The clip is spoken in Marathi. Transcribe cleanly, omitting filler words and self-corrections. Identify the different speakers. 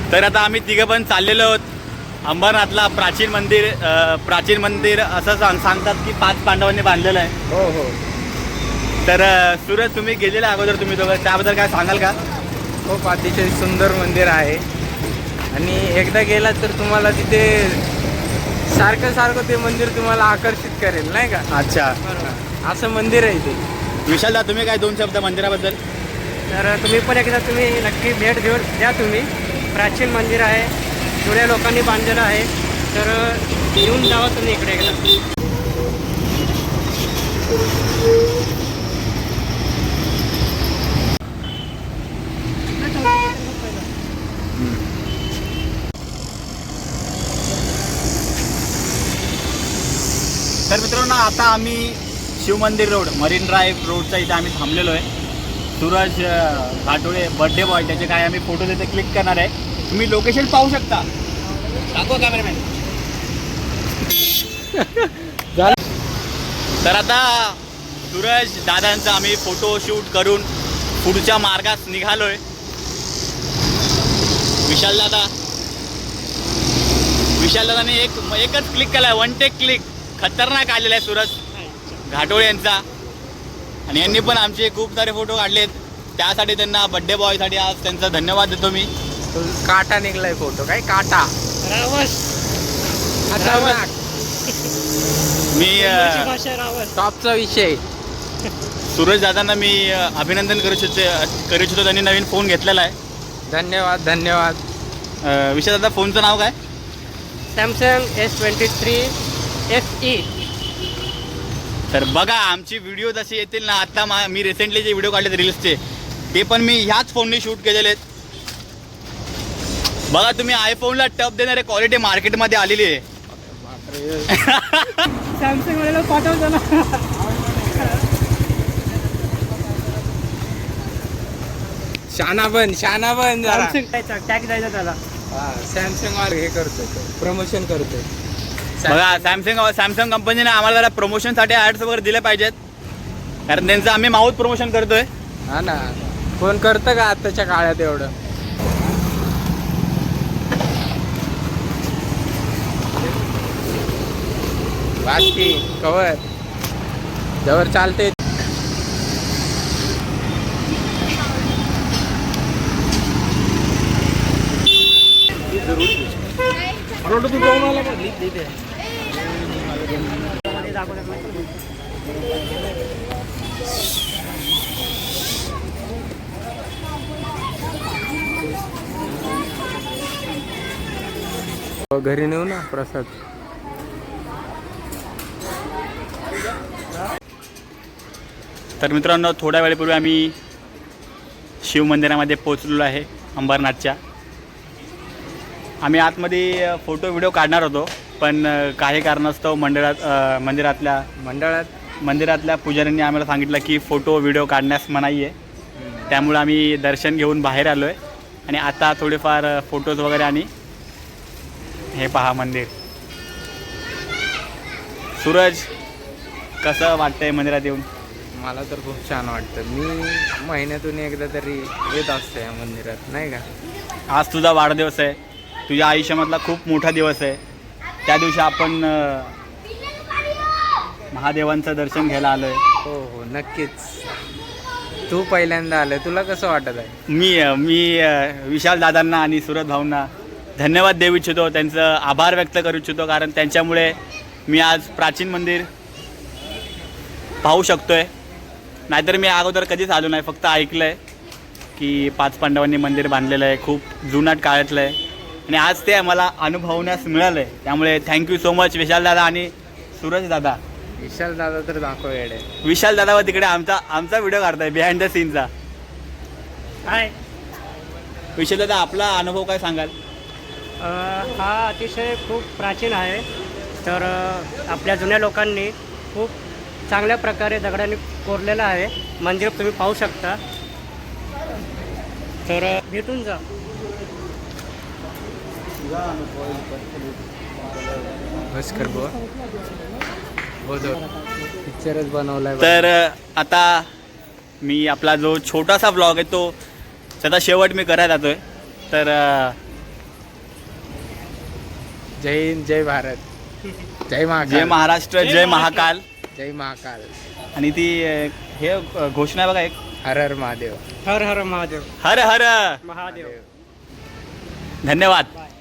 Speaker 1: तर आता आम्ही तिघं पण चाललेलो आहोत अंबरनाथला. प्राचीन मंदिर असं सांगतात की 5 पांडवांनी बांधलेलं आहे.
Speaker 2: हो हो.
Speaker 1: तर सूरज, तुम्ही गेलेला अगोदर तुम्ही दोघं, त्याबद्दल काय सांगाल का?
Speaker 2: खूप अतिशय सुंदर मंदिर आहे आणि एकदा गेलात तर तुम्हाला तिथे सारखं ते मंदिर तुम्हाला आकर्षित करेल, नाही का?
Speaker 1: अच्छा,
Speaker 2: असं मंदिर आहे ते.
Speaker 1: विशालदा, तुम्ही काय 2 शब्द मंदिराबद्दल?
Speaker 3: तर तुम्ही पण एकदा नक्की भेट द्या तुम्ही. प्राचीन मंदिर आहे, जुन्या लोकांनी बांधलेलं आहे. तर येऊन जावा तुम्ही इकडे एकदा.
Speaker 1: तर मित्रांनो, आता आम्ही शिवमंदिर रोड, मरीन ड्राईव्ह रोडच्या इथे आम्ही थांबलेलो आहे. सूरज घाटोळे बर्थडे बॉय, त्याचे काय आम्ही फोटो तिथे क्लिक करणार आहे. तुम्ही लोकेशन पाहू शकता. दाखवा कॅमेरामॅन. तर आता सूरज दादांचा आम्ही फोटो शूट करून पुढच्या मार्गात निघालोय. विशालदादाने एकच क्लिक केलाय, 1 टेक क्लिक. खतरनाक आलेला आहे सूरज घाटोळे यांचा. आणि यांनी पण आमचे खूप सारे फोटो काढलेत. त्यासाठी त्यांना बर्थडे बॉयसाठी आज त्यांचा धन्यवाद देतो मी.
Speaker 2: काटा निघलाय फोटो, काय काटा.
Speaker 1: मी
Speaker 2: टॉपचा विषय.
Speaker 1: सूरज दादांना मी अभिनंदन करू इच्छितो. त्यांनी नवीन फोन घेतलेला आहे.
Speaker 2: धन्यवाद.
Speaker 1: विशाल दादा, फोनचं नाव काय?
Speaker 3: Samsung S23 FE.
Speaker 1: तर बघा, आमची व्हिडिओ जशी येतील ना, आता मी रिसेंटली जे व्हिडिओ काढलेत रील्सचे, ते पण मी ह्याच फोनने शूट केलेले आहेत. बघा, तुम्ही आयफोनला टप देणारे क्वालिटी मार्केटमध्ये आलेली आहे.
Speaker 3: सॅमसंग वाल्याला पाठवतो ना.
Speaker 2: शाना बन जरा.
Speaker 3: सॅमसंग टॅग द्यायचा त्याला.
Speaker 2: सॅमसंग वाले हे करतोय, प्रमोशन करतोय.
Speaker 1: बघा, सॅमसंग कंपनीने आम्हाला जरा प्रमोशनसाठी ॲड्स वगैरे दिले पाहिजेत, कारण त्यांचं आम्ही माउथ प्रमोशन करतोय.
Speaker 2: हा ना, कोण करतं का आताच्या काळात एवढं? बाकी कवर जवळ चालते. घरी नेऊ ना प्रसाद.
Speaker 1: तर मित्रांनो, थोड्या वेळेपूर्वी आम्ही शिवमंदिरामध्ये पोहोचलेलो आहे अंबरनाथच्या. आम्ही आतमध्ये फोटो व्हिडिओ काढणार होतो, पण काही कारणास्तव मंदिरातल्या पुजाऱ्यांनी आम्हाला सांगितलं की फोटो व्हिडिओ काढण्यास मनाई आहे. त्यामुळे आम्ही दर्शन घेऊन बाहेर आलो आहे आणि आता थोडेफार फोटोज वगैरे. आणि हे पहा मंदिर. सूरज, कसं वाटतंय मंदिरात येऊन?
Speaker 2: मला तर खूप छान वाटतं. मी महिन्यातून एकदा तरी येत असते या मंदिरात, नाही का?
Speaker 1: आज तुझा वाढदिवस आहे, तुझ्या आयुष्यामधला खूप मोठा दिवस आहे. त्या दिवशी आपण महादेवांचं दर्शन घ्यायला आलो आहे.
Speaker 2: हो, नक्कीच. तू पहिल्यांदा आलं, तुला कसं वाटत आहे?
Speaker 1: मी विशाल दादांना आणि सूरज भाऊंना धन्यवाद देऊ इच्छितो, त्यांचं आभार व्यक्त करू इच्छितो, कारण त्यांच्यामुळे मी आज प्राचीन मंदिर पाहू शकतोय. नाहीतर मी अगोदर कधीच आलो नाही, फक्त ऐकलं आहे की 5 पांडवांनी मंदिर बांधलेलं आहे, खूप जुनाट काळातलं आहे. आणि आज ते मला अनुभवण्यास मिळालं आहे. त्यामुळे थँक्यू सो मच विशाल दादा आणि सूरज दादा.
Speaker 2: विशाल दादा तर दाखव येडे.
Speaker 1: विशाल दादा व तिकडे आमचा व्हिडिओ काढताय बिहाइंड द सीनचा.
Speaker 3: हाय
Speaker 1: विशाल दादा, आपला अनुभव काय सांगाल?
Speaker 3: हा अतिशय खूप प्राचीन आहे. तर आपल्या जुन्या लोकांनी खूप चांगल्या प्रकारे दगडाने कोरलेलं आहे. मंदिर तुम्ही पाहू शकता. तर भेटून जा.
Speaker 2: बस कर बुवा. हो जो पिक्चरच बनवलाय.
Speaker 1: तर आता मी आपला जो छोटासा ब्लॉग आहे तो त्याचा शेवट मी करायला जातोय. तर
Speaker 2: जय हिंद, जय भारत, जय महाकाल.
Speaker 1: जय महाराष्ट्र, जय महाकाल.
Speaker 2: जय महाकाल.
Speaker 1: आणि ती हे घोषणा आहे बघा एक,
Speaker 2: हर हर महादेव.
Speaker 3: हर हर महादेव.
Speaker 1: हर हर
Speaker 3: महादेव.
Speaker 1: धन्यवाद.